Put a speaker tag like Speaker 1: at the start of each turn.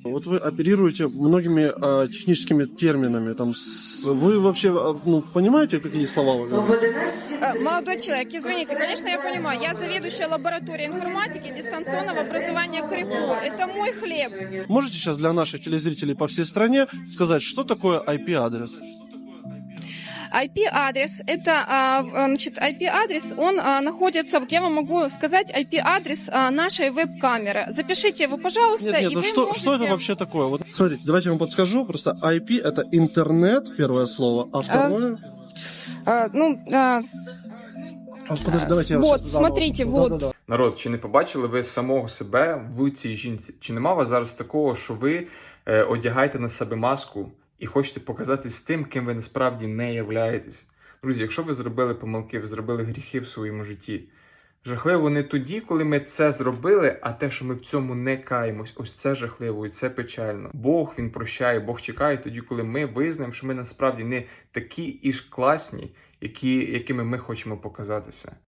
Speaker 1: Вот вы оперируете многими техническими терминами. Вы вообще понимаете, какие слова вы говорите?
Speaker 2: Молодой человек, извините, конечно, я понимаю. Я заведующая лабораторией информатики и дистанционного образования КРИФО. Это мой хлеб.
Speaker 1: Можете сейчас для наших телезрителей по всей стране сказать, что такое IP-адрес?
Speaker 2: IP-адрес, это, значит, IP-адрес, он находится, вот я вам могу сказать, IP-адрес нашей веб-камеры. Запишите его, пожалуйста,
Speaker 1: Нет,
Speaker 2: и вы
Speaker 1: что
Speaker 2: можете...
Speaker 1: это вообще такое? Вот смотрите, давайте я вам подскажу. Просто IP это интернет, первое слово, а второе... Подожди, давайте я
Speaker 2: Вот,
Speaker 1: сейчас заново
Speaker 2: смотрите,
Speaker 1: прошу.
Speaker 2: вот.
Speaker 1: Да-да-да.
Speaker 3: Народ, чи не побачили ви самого себе в цій жінці? Чи нема у вас зараз такого, що ви одягаєте на себе маску і хочете показатись тим, ким ви насправді не являєтесь? Друзі, якщо ви зробили помилки, ви зробили гріхи в своєму житті, жахливо не тоді, коли ми це зробили, а те, що ми в цьому не каємось. Ось це жахливо і це печально. Бог, Він прощає, Бог чекає тоді, коли ми визнаємо, що ми насправді не такі і ж класні, якими ми хочемо показатися.